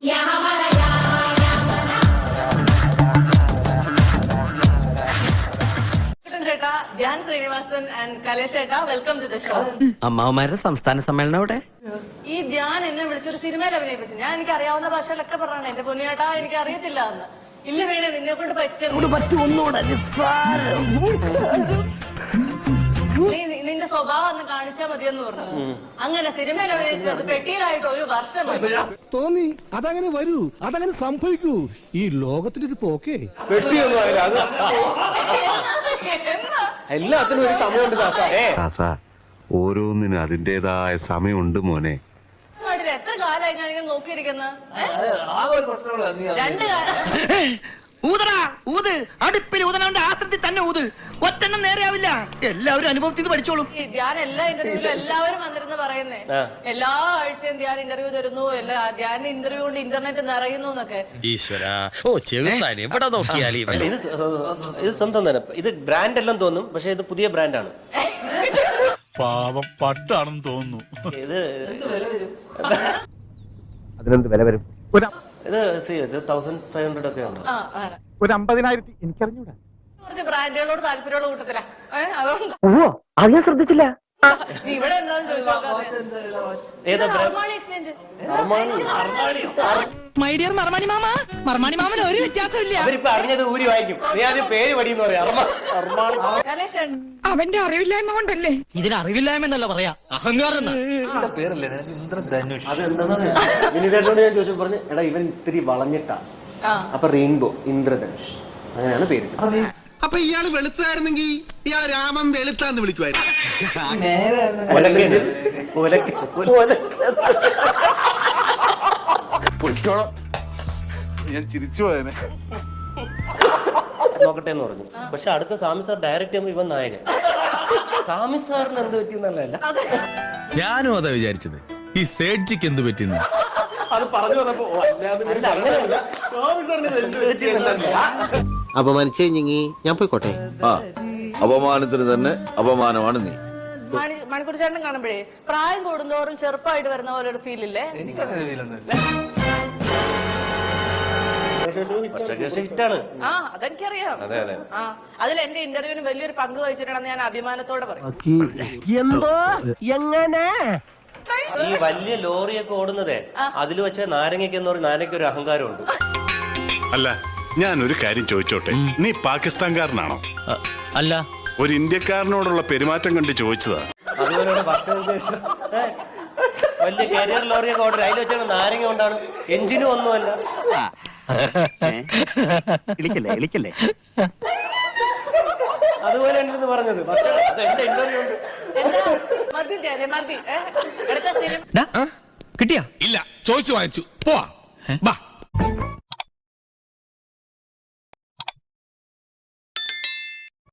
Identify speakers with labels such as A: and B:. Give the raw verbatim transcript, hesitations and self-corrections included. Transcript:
A: Dhyan Sreenivasan and Kalesh ഏട്ടാ, welcome to the show.
B: അമ്മാവന്മാരുടെ സംസ്ഥാന സമ്മേളനം അവിടെ.
A: ഈ ധ്യാൻ എന്നെ വിളിച്ചൊരു സിനിമയിൽ അഭിനയിപ്പിച്ചു. ഞാൻ എനിക്ക് അറിയാവുന്ന ഭാഷയിലൊക്കെ പറഞ്ഞാണ് എന്റെ പൊന്നിയേട്ടാ എനിക്ക് അറിയത്തില്ല എന്ന്. ഇല്ല വേണേ നിന്നെ കൊണ്ട് നീ നിന്റെ സ്വഭാവം ഒന്ന് കാണിച്ചാൽ മതിയെന്ന് പറഞ്ഞു. അങ്ങനെ സിനിമയിൽ അഭിനയിച്ചത് പെട്ടിയിലായിട്ട് ഒരു വർഷം
C: തോന്നി. അതങ്ങനെ വരൂ, അതങ്ങനെ സംഭവിക്കൂ. ഈ ലോകത്തിന്റെ ഒരു പോക്കേ.
D: എല്ലാത്തിനും ഒരു സമയമുണ്ട്
E: ദാസാ. ഓരോന്നിനും അതിന്റേതായ സമയമുണ്ട് മോനെ.
A: എത്ര കാലമായി ഞാൻ ഇങ്ങനെ നോക്കിയിരിക്കുന്നത്. രണ്ട് കാലം
B: ഊതടാ ഊത്. അടുപ്പിൽ ഊതനവന്റെ ആസ്ത്രത്തിൽ തന്നെ ഊത്. ഒറ്റെണ്ണം നേരെയാവില്ല. എല്ലാവരും അനുഭവത്തിൽ നിന്ന് പഠിച്ചോളും.
A: ധ്യാൻ എല്ലാ ഇന്റർവ്യൂവിലും എല്ലാവരും വന്നിരുന്ന് പറയുന്നേ, എല്ലാ ആഴ്ചയും ധ്യാൻ ഇന്റർവ്യൂ തരുന്നു, എല്ലാ ധ്യാൻ ഇന്റർവ്യൂ കൊണ്ട് ഇന്റർനെറ്റ് നിറയുന്നു എന്നൊക്കെ.
D: ഈശ്വരാ, ഓ ചെറുതാൻ എവിടെ നോക്കിയാലും ഇത് ഇത് സ്വന്തം തന്നെ. ഇത് ബ്രാൻഡ് എല്ലാം തോന്നും, പക്ഷെ ഇത് പുതിയ ബ്രാൻഡാണ്.
F: പാവം പട്ടാണെന്ന് തോന്നുന്നു.
D: ഇത്
E: അതിനെന്ത് വില വരും?
D: ഇത് തൗസൻഡ് ഫൈവ് ഹൺഡ്രഡ് ഒക്കെ ഉണ്ട്.
C: ഒരു അമ്പതിനായിരത്തി എനിക്കറിഞ്ഞൂടാ.
A: കുറച്ച് ബ്രാൻഡുകളോട് താല്പര്യമുള്ള കൂട്ടത്തിലാ. അതുകൊണ്ട്
B: അത് ഞാൻ ശ്രദ്ധിച്ചില്ല.
A: ഇവിടെ എന്താന്ന് ചോദിച്ചു എക്സ്ചേഞ്ച്.
B: മൈഡിയർ മർമാണി മാമ, മർമാണി മാമന് ഒരു വ്യത്യാസമില്ല.
D: അവരിപ്പോ അറിഞ്ഞത് ഊരി വായിക്കും. നീ ആദ്യം പേര് പഠിയെന്ന് പറയാം.
G: അവന്റെ അറിവില്ലായ്മ കൊണ്ടല്ലേ.
B: ഇതിന് അറിവില്ലായ്മ എന്നല്ല പറയാ, അഹങ്കാരം.
D: വിനീതേട്ടനോട് ഞാൻ ചോദിച്ചു പറഞ്ഞു, എടാ ഇവൻ ഇത്തിരി വളഞ്ഞിട്ടാ. അപ്പൊ റെയിൻബോ, ഇന്ദ്രധനുഷ്, അങ്ങനെയാണ് പേര്.
C: അപ്പൊ ഇയാള് വെളുത്തായിരുന്നെങ്കിൽ ഇയാള് രാമൻ വെളുത്താന്ന് വിളിക്കുമായിരുന്നു.
F: ഞാൻ ചിരിച്ചു പോയനെ.
D: നോക്കട്ടെ എന്ന് പറഞ്ഞു. പക്ഷെ അടുത്ത സാമി സാർ ഡയറക്റ്റ് ചെയ്യുമ്പോ ഇവൻ നായകൻ. സാമി സാറിന് എന്ത് പറ്റിയെന്നുള്ളതല്ല,
H: ഞാനും അതാ വിചാരിച്ചത്. ഈ സേഡ്ജിക്ക് എന്ത് പറ്റിയെന്ന്
D: അത് പറഞ്ഞു വന്നപ്പോ
I: അപമാനിച്ചേ ഞങ്ങി ഞാൻ പോയിക്കോട്ടെ.
F: ആ അപമാനത്തിന് തന്നെ അപമാനമാണ് നീ.
A: മണിക്കൂർ ചേട്ടൻ കാണുമ്പോഴേ പ്രായം കൂടുന്തോറും ചെറുപ്പമായിട്ട് വരുന്ന പോലെ ഒരു ഫീൽ ഇല്ലേ?
D: ഹിറ്റാണ്.
A: ആ അതെനിക്കറിയാം. ആ അതിൽ എന്റെ ഇന്റർവ്യൂവിന് വലിയൊരു പങ്ക് വഹിച്ചിട്ടാണെന്ന് ഞാൻ അഭിമാനത്തോടെ പറയും.
B: എന്തോ എങ്ങനെ
D: ഈ വലിയ ലോറിയൊക്കെ ഓടുന്നതേ അതിൽ വെച്ച നാരങ്ങയ്ക്ക് എന്ന് പറഞ്ഞ നാരങ്ങയ്ക്ക് ഒരു അഹങ്കാരമുണ്ട്.
E: അല്ല, ഞാൻ ഒരു കാര്യം ചോദിച്ചോട്ടെ. നീ പാകിസ്ഥാൻകാരനാണോ?
H: അല്ല,
E: ഒരു ഇന്ത്യക്കാരനോടുള്ള പെരുമാറ്റം കണ്ട് ചോദിച്ചതാ.
D: അതുപോലെ വർഷങ്ങൾക്ക് ശേഷം വലിയ കരിയർ ലോറിയൊക്കെ ഓർഡർ അതിൽ വെച്ചാൽ നാരങ്ങ കൊണ്ടാണ്, എഞ്ചിനും ഒന്നുമല്ല. അതുപോലെ ഉണ്ടെന്ന് പറഞ്ഞത്. പക്ഷേ അത് എന്റെ ഇന്റർവ്യൂ ഉണ്ട്.
A: മതി ധ്യാനെ, മതി. അടുത്ത സിനിമ
H: കിട്ടിയാ?
F: ഇല്ല, ചോദിച്ചു വാങ്ങിച്ചു. പോവാ.